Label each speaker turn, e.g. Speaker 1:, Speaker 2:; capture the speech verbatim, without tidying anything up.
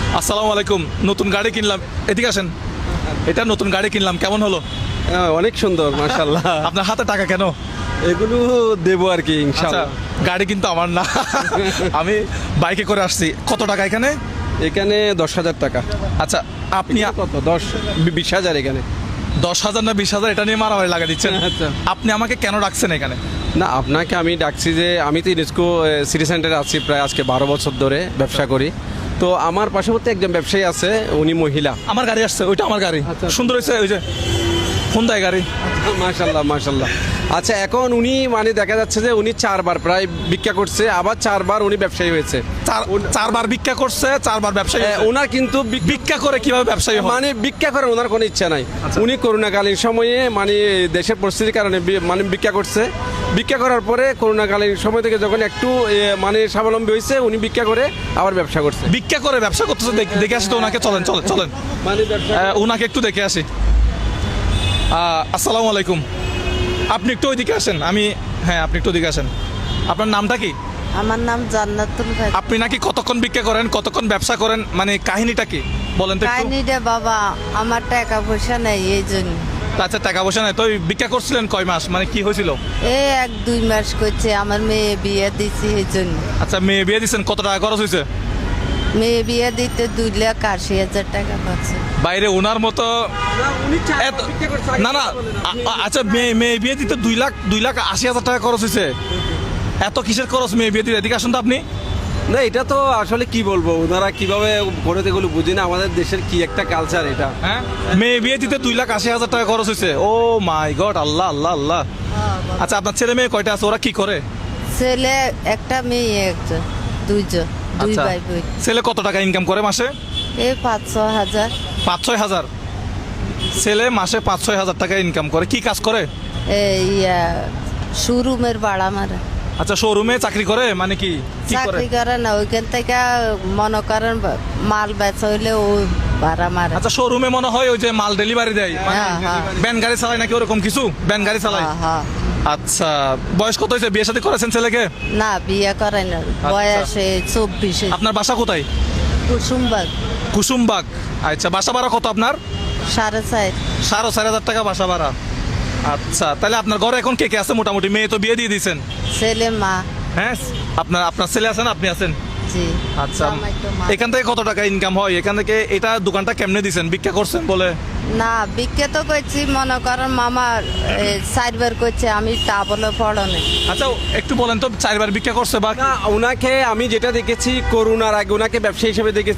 Speaker 1: আসসালামু আলাইকুম। নতুন গাড়ি কিনলাম, এদিকে আসেন। এটা নতুন গাড়ি কিনলাম, কেমন হলো?
Speaker 2: হ্যাঁ, অনেক সুন্দর মাশাআল্লাহ।
Speaker 1: আপনার হাতে টাকা কেন?
Speaker 2: এগুলো দেবো আর কি
Speaker 1: আচ্ছা,
Speaker 2: ইনশাআল্লাহ।
Speaker 1: গাড়ি কিন্তু আমার না, আমি বাইকে করে আসছি। কত টাকা এখানে?
Speaker 2: এখানে দশ হাজার টাকা।
Speaker 1: আচ্ছা, আপনি
Speaker 2: এখানে কত? দশ বি- বিশ হাজার এখানে।
Speaker 1: দশ হাজার না বিশ হাজার এটা নিয়ে মারামারি লাগা দিচ্ছেন?
Speaker 2: আচ্ছা।
Speaker 1: আপনি আমাকে কেন রাখছেন এখানে?
Speaker 2: না, আপনাকে আমি ডাকছি যে আমি তো ইউনেস্কো সিটি সেন্টারে আছি প্রায় আজকে বারো বছর ধরে ব্যবসা করি। তো আমার পার্শ্ববর্তী একজন ব্যবসায়ী আছে, উনি মহিলা।
Speaker 1: আমার গাড়ি আসছে, ওইটা আমার গাড়ি।
Speaker 2: আচ্ছা।
Speaker 1: সুন্দর হয়েছে, ওই যে হুন্দাই গাড়ি।
Speaker 2: মাশাল্লাহ মাশাল্লাহ। আচ্ছা, এখন উনি মানে দেখা যাচ্ছে যে উনি চারবার প্রায় ভিক্ষা করছে, আবার চারবার উনি ব্যবসায়ী হয়েছে।
Speaker 1: চার চারবার ভিক্ষা করছে, চারবার ব্যবসায়ী
Speaker 2: এ,
Speaker 1: হয়েছে।
Speaker 2: ওনার কিন্তু ভিক-
Speaker 1: ভিক্ষা করে কিভাবে ব্যবসায়ী হয়?
Speaker 2: মানে ভিক্ষা করার ওনার কোনো ইচ্ছা নাই। উনি করোনাকালীন সময়ে মানে দেশের পরিস্থিতির কারণে বি- মানে ভিক্ষা করছে। ভিক্ষা করার পরে করোনাকালীন সময় থেকে যখন একটু এ, মানে স্বাবলম্বী হয়েছে, উনি ভিক্ষা করে আবার ব্যবসা করছে।
Speaker 1: ভিক্ষা করে ব্যবসা করতেছে, দেখ- দেখে আসি তো ওনাকে। চলেন চলেন চলেন,
Speaker 2: মানে ব্যবসা
Speaker 1: আহ, ওনাকে একটু দেখে আসি। আহ, আসসালামু আলাইকুম। আপনি একটু ওইদিকে আসেন। আমি হ্যাঁ, আপনি একটু ওইদিকে আসেন। আপনার নামটা কি?
Speaker 3: আমার নাম জান্নাতুল ভাই।
Speaker 1: আপনি নাকি কতক্ষণ ভিক্ষা করেন, কতক্ষণ ব্যবসা করেন, মানে কাহিনীটা কি বলেন তো একটু?
Speaker 3: কাহিনীটা বাবা, আমার টাকা পয়সা নেই এই জন্য।
Speaker 1: আচ্ছা, টাকা পয়সা নাই তো ওই ভিক্ষা করছিলেন কয় মাস, মানে কি হয়েছিল?
Speaker 3: এই এক দুই মাস করছে, আমার মেয়ে বিয়ে দিছি এই জন্য।
Speaker 1: আচ্ছা, মেয়ে বিয়ে দিচ্ছেন, কত টাকা খরচ হয়েছে?
Speaker 3: মেয়ে বিয়ে দিতে দুই লাখ আশি হাজার টাকা পাচ্ছে।
Speaker 1: বাইরে ওনার মতো এত- না না, আ- আ- আচ্ছা, মেয়ে মেয়ে বিয়ে দিতে দুই লাখ দুই লাখ আশি হাজার টাকা খরচ হয়েছে। এত কিসের খরচ মেয়ে বিয়ে দিতে? এদিকে আসুন তো আপনি।
Speaker 2: না, এটা তো আসলে কি বলবো, ওনারা কিভাবে করে এগুলো বুঝি না। আমাদের দেশের কি একটা কালচার এটা।
Speaker 1: হ্যাঁ, মেয়ে বিয়ে দিতে দুই লাখ আশি হাজার টাকা খরচ হয়েছে। ও মাই গড, আল্লাহ আল্লাহ আল্লাহ। আচ্ছা, আপনার ছেলে মেয়ে কয়টা আছে? ওরা কি করে?
Speaker 3: ছেলে একটা, মেয়ে একজন, দুইজন, দুই
Speaker 1: আচ্ছা,
Speaker 3: ভাই বোন।
Speaker 1: ছেলে কত টাকা ইনকাম করে মাসে?
Speaker 3: এই পাঁচ ছ হাজার।
Speaker 1: পাঁচ ছয় হাজার। ছেলে মাসে পাঁচ ছয় হাজার টাকা ইনকাম করে। কি কাজ করে?
Speaker 3: এই শোরুমের ভাড়া মারে।
Speaker 1: আচ্ছা, শোরুমে চাকরি করে, মানে কি কি করে?
Speaker 3: চাকরি করে না, ওইখান থেকে মনে করেন মাল বেচা হইলে ও ভাড়া মারে।
Speaker 1: আচ্ছা, শোরুমে মনে হয় ওই যে মাল ডেলিভারি দেয়, মানে
Speaker 3: হ্যাঁ, হ্যাঁ।
Speaker 1: ভ্যান গাড়ি চালায় নাকি ওরকম কিছু? ভ্যান গাড়ি চালায়।
Speaker 3: হ্যাঁ, হ্যাঁ।
Speaker 1: আচ্ছা, বয়স কত হয়েছে? বিয়ে শাদী করেছেন ছেলেকে?
Speaker 3: না, বিয়ে করে না, বয়সে চব্বিশে।
Speaker 1: আপনার বাসা কোথায়?
Speaker 3: কুসুমবাগ।
Speaker 1: কুসুমবাগ। আচ্ছা, বাসা ভাড়া কত আপনার?
Speaker 3: সাড়ে চার।
Speaker 1: সাড়ে চার হাজার টাকা বাসা ভাড়া। আচ্ছা, তাহলে আপনার ঘরে এখন কে কে আছে মোটামুটি? মেয়ে তো বিয়ে দিয়ে দিয়েছেন।
Speaker 3: ছেলে মা।
Speaker 1: হ্যাঁ, আপনার আপনার ছেলে আছেন, আপনি আছেন।
Speaker 3: জি।
Speaker 1: আচ্ছা,
Speaker 3: জামাই তো মা।
Speaker 1: এখান থেকে কত টাকা ইনকাম হয়? এখান থেকে এটা দোকানটা কেমনে দিছেন? ভিক্ষা করছেন বলে?
Speaker 3: না, বিখ্যাত করছি, মনে করেন মামার চারবার করছে, আমি তা বলে পড়নে।
Speaker 1: আচ্ছা, একটু বলেন তো, চারবার ভিক্ষা করছে বা
Speaker 2: না, ওনাকে আমি যেটা দেখেছি করোনার আগে ওনাকে ব্যবসায়ী হিসেবে দেখেছি।